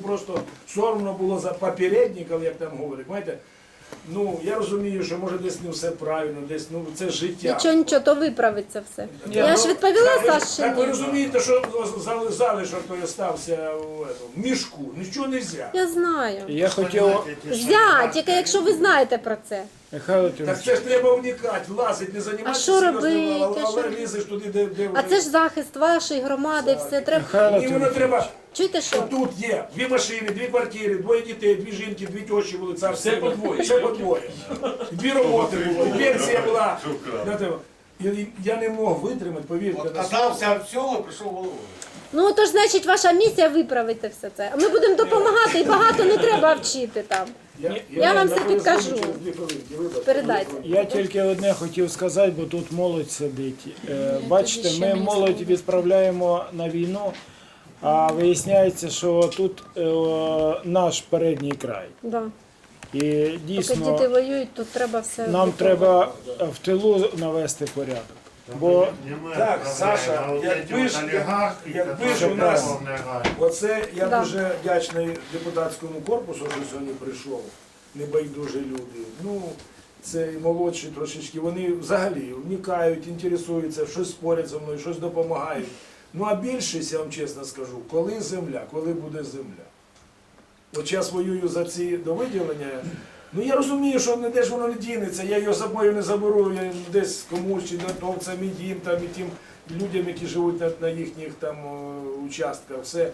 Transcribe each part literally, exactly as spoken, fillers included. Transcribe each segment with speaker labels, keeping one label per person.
Speaker 1: просто соромно було за попередників, як там говорять. Знаєте, ну, я розумію, що може десь не все правильно, десь, ну, це життя.
Speaker 2: Нічого, нічого, то виправиться все.
Speaker 1: Ні,
Speaker 2: Я
Speaker 1: ну,
Speaker 2: ж відповіла
Speaker 1: так, ви-
Speaker 2: Саші.
Speaker 1: Так ви розумієте, що зали- залишок той остався в, этом, в мішку, нічого не можна.
Speaker 2: Я знаю.
Speaker 3: Я хотів,
Speaker 2: Зя, тільки якщо ви знаєте про це.
Speaker 3: Михайло
Speaker 1: Так
Speaker 3: Тимофійович,
Speaker 1: це ж треба вникати, влазити, не займатися
Speaker 2: що
Speaker 1: серйозним,
Speaker 2: робити?
Speaker 1: але
Speaker 2: Що?
Speaker 1: лізеш туди, де, де
Speaker 2: А це ж захист вашої громади, все треба.
Speaker 3: Михайло
Speaker 1: Мені воно
Speaker 3: Тимофійович,
Speaker 1: треба.
Speaker 2: Чуєте що?
Speaker 1: Тут є дві машини, дві квартири, двоє дітей, дві жінки, дві тещі були царські.
Speaker 4: Все по двоє.
Speaker 1: Все по двоє. Дві роботи було, і пенсія була. Знаєте, і Я не мог витримати, повірте. на слово.
Speaker 5: Отказався від всього, прийшов головою.
Speaker 2: Ну то ж значить ваша місія виправити все це. А ми будемо допомагати і багато не треба вчити там.
Speaker 1: Я,
Speaker 2: Я вам
Speaker 1: на
Speaker 2: все
Speaker 1: телефоні
Speaker 2: підкажу.
Speaker 1: через дві хвилинки, вибачте.
Speaker 2: Передайте.
Speaker 3: я тільки одне хотів сказати, бо тут молодь сидить. Е, Бачите,
Speaker 2: ще
Speaker 3: ми
Speaker 2: мені
Speaker 3: молодь
Speaker 2: слово.
Speaker 3: відправляємо на війну, а виясняється, що тут е, наш передній край.
Speaker 2: Да.
Speaker 3: І
Speaker 2: Поки
Speaker 3: дійсно
Speaker 2: діти воюють, тут треба все.
Speaker 3: нам
Speaker 2: готово.
Speaker 3: треба в тилу навести порядок. Бо
Speaker 1: Так, Саша, якби ж, якби ж у нас, оце я
Speaker 2: Да.
Speaker 1: дуже вдячний депутатському корпусу, що сьогодні прийшов, небайдужі люди. Ну, це і молодші трошечки, вони взагалі вникають, інтересуються, щось спорять зі мною, щось допомагають. Ну а більшість, я вам чесно скажу, коли земля, коли буде земля. От зараз воюю за ці довиділення. Ну я розумію, що не де ж воно не дінеться, я його з собою не заберу, я десь комусь чи натовцям, і їм, там, і тим людям, які живуть на, на їхніх там о, участках. Все.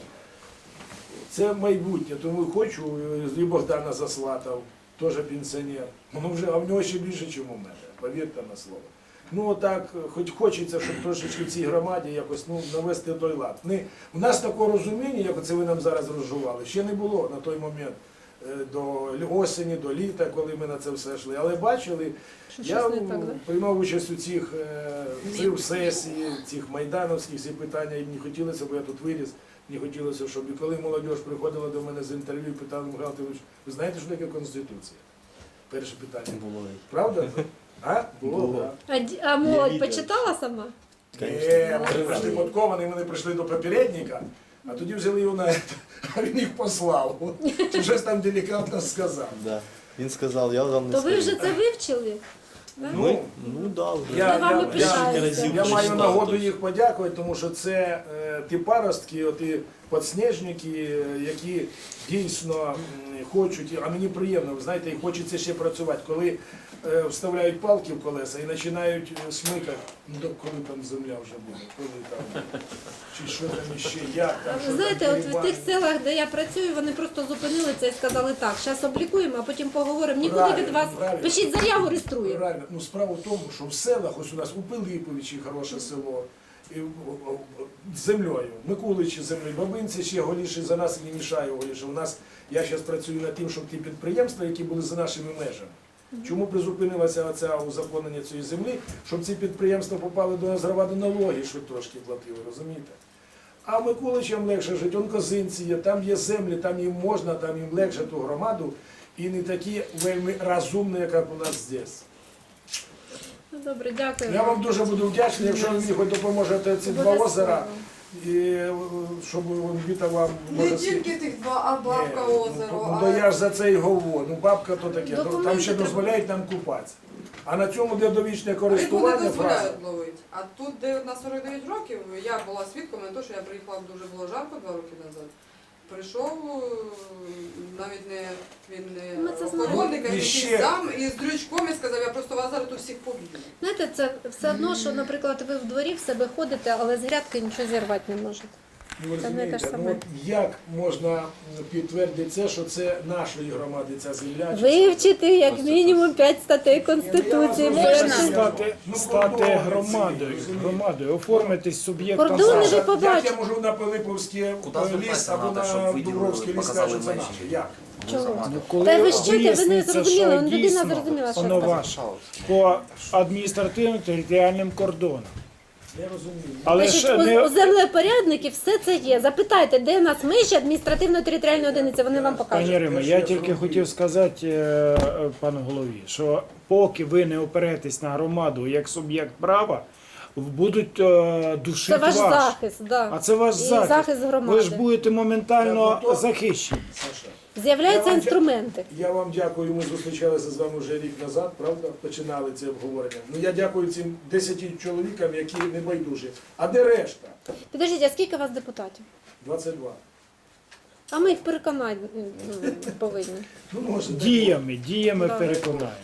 Speaker 1: Це майбутнє, тому хочу, і Богдана заслатав, теж пенсіонер. Ну вже, а в нього ще більше, ніж у мене, повірте на слово. Ну отак, хоч хочеться, щоб трошечки в цій громаді якось ну, навести той лад. Не, у нас такого розуміння, як це ви нам зараз розжували, ще не було на той момент. До осені, до літа, коли ми на це все йшли. Але бачили,
Speaker 2: Що
Speaker 1: я
Speaker 2: щось не так, да?
Speaker 1: приймав участь у цих е, в сесії, цих майдановських всі питання, і мені хотілося, бо я тут виріс, мені хотілося, щоб і коли молодь приходила до мене з інтерв'ю, питала, Михайло Тимофійович, ви знаєте, що таке Конституція? Перше питання.
Speaker 4: Було.
Speaker 1: Правда? А? Було,
Speaker 4: Було.
Speaker 1: так.
Speaker 2: А, ді- а молодь почитала сама?
Speaker 1: Ні, вони прийшли подковані, вони прийшли до попередника, а тоді взяли його на це, а він їх послав. Чи щось там делікатно сказав.
Speaker 6: Да. Він сказав, я вам не
Speaker 2: То ви
Speaker 6: скажу.
Speaker 2: вже це вивчили? Да?
Speaker 1: Ну,
Speaker 6: Ну да, вже.
Speaker 1: Я,
Speaker 2: Ми вами
Speaker 1: я,
Speaker 2: пишаємося.
Speaker 1: я, я маю нагоду їх подякувати, тому що це е, ті паростки, ті підсніжники, е, які дійсно м, хочуть, а мені приємно, ви знаєте, і хочеться ще працювати. Коли е, вставляють палки в колеса і починають е, смикати, ну то коли там земля вже буде, коли там, чи що там іще, як там, що
Speaker 2: Ви знаєте,
Speaker 1: там,
Speaker 2: от в тих селах, де я працюю, вони просто зупинили це і сказали так, зараз облікуємо, а потім поговоримо. Нікуди від
Speaker 1: Правильно,
Speaker 2: вас.
Speaker 1: правильно.
Speaker 2: Пишіть заяву, реєструємо.
Speaker 1: Правильно. Ну, справа в тому, що в селах, ось у нас у Пилиповичі хороше село, і, о, о, з землею, Микуличі з землею, Бабинці ще голіше за нас і не мішає голіше. У нас, я зараз працюю над тим, щоб ті підприємства, які були за нашими межами, чому призупинилося оце узаконення цієї землі, щоб ці підприємства попали до нас громади налоги, щоб трошки платили, розумієте? А Миколичам легше жити, он козинці є, там є землі, там їм можна, там їм легше ту громаду, і не такі вельми розумні, як у нас здесь.
Speaker 2: Ну, добре, дякую.
Speaker 1: Я вам дуже буду вдячний, якщо ви мені хоч допоможете ці два
Speaker 2: Обов'язково.
Speaker 1: озера, і е, щоб Віта вам
Speaker 7: Не
Speaker 1: може...
Speaker 7: тільки тих два, а бабка
Speaker 1: Ні,
Speaker 7: озеро.
Speaker 1: Ну,
Speaker 7: а-
Speaker 1: то я ж за це й говорю. Ну, бабка то таке, ну,
Speaker 2: Документи
Speaker 1: там ще
Speaker 2: треба.
Speaker 1: дозволяють нам купатися. А на цьому, де довічне
Speaker 7: Рибу не
Speaker 1: користування, фраза.
Speaker 7: дозволяють ловити. А тут, де на сорок дев'ять років, я була свідком на те, що я приїхала, дуже було жарко два роки назад. Прийшов, навіть не він
Speaker 2: Ми це
Speaker 7: не
Speaker 2: знаємо.
Speaker 7: охоронник, а
Speaker 1: І
Speaker 7: якийсь
Speaker 1: ще-
Speaker 7: зам, і з дрючком і сказав, я просто вас зараз тут всіх поб'ю.
Speaker 2: Знаєте, це все одно, що, наприклад, ви в дворі в себе ходите, але з грядки нічого зірвати не можете.
Speaker 1: Ну, ви
Speaker 2: Це не те
Speaker 1: розумієте,
Speaker 2: ж
Speaker 1: ну,
Speaker 2: саме.
Speaker 1: от як можна підтвердити це, що це нашої громади, ця земля? чи
Speaker 2: Вивчити як мінімум п'ять статей Конституції.
Speaker 1: Можна.
Speaker 2: Можна.
Speaker 3: стати,
Speaker 1: Ну,
Speaker 3: стати
Speaker 1: кордони
Speaker 3: громадою,
Speaker 1: ці, розумієте?
Speaker 3: громадою, оформитись суб'єктом
Speaker 2: Кордони
Speaker 3: права.
Speaker 2: ви
Speaker 1: Як
Speaker 2: побачите.
Speaker 1: я можу на Пилиповське
Speaker 4: Куди
Speaker 1: ліс
Speaker 4: звертатися
Speaker 1: або
Speaker 4: надо, щоб
Speaker 1: на
Speaker 4: виділили,
Speaker 1: Дубровський ліс
Speaker 4: показали
Speaker 1: кажуть, це
Speaker 4: межі?
Speaker 1: наше? Як?
Speaker 2: Чого?
Speaker 3: Ну, коли
Speaker 2: Та ви ж чуєте, ви не
Speaker 3: виясниться,
Speaker 2: зрозуміли,
Speaker 3: що
Speaker 2: он людина
Speaker 3: дійсно
Speaker 2: зрозуміла, що
Speaker 3: воно
Speaker 2: це.
Speaker 3: ваше по адміністративно-територіальним кордонам.
Speaker 1: Я розумію.
Speaker 3: Але
Speaker 2: Значить,
Speaker 3: ще
Speaker 2: у,
Speaker 3: не
Speaker 2: у землепорядників все це є. Запитайте, де у нас межі адміністративно-територіальної одиниці, вони вам покажуть.
Speaker 3: Пані Рима, я тільки хотів сказати е, е, пану голові, що поки ви не оперетесь на громаду як суб'єкт права, будуть е, душити
Speaker 2: Це ваш
Speaker 3: вас.
Speaker 2: захист, да.
Speaker 3: А це ваш
Speaker 2: І
Speaker 3: захист.
Speaker 2: захист громади.
Speaker 3: Ви ж будете моментально
Speaker 1: Я готов.
Speaker 3: захищені.
Speaker 1: Саша,
Speaker 2: З'являються
Speaker 1: Я вам
Speaker 2: інструменти.
Speaker 1: я вам дякую. Ми зустрічалися з вами вже рік назад, правда? Починали це обговорення. Ну я дякую цим десяти чоловікам, які не байдужі. А де решта?
Speaker 2: Підождіть, а скільки у вас депутатів?
Speaker 1: двадцять два.
Speaker 2: А ми їх переконати м, повинні.
Speaker 1: Ну, може,
Speaker 3: Діями, діями
Speaker 2: Да.
Speaker 3: переконаємо.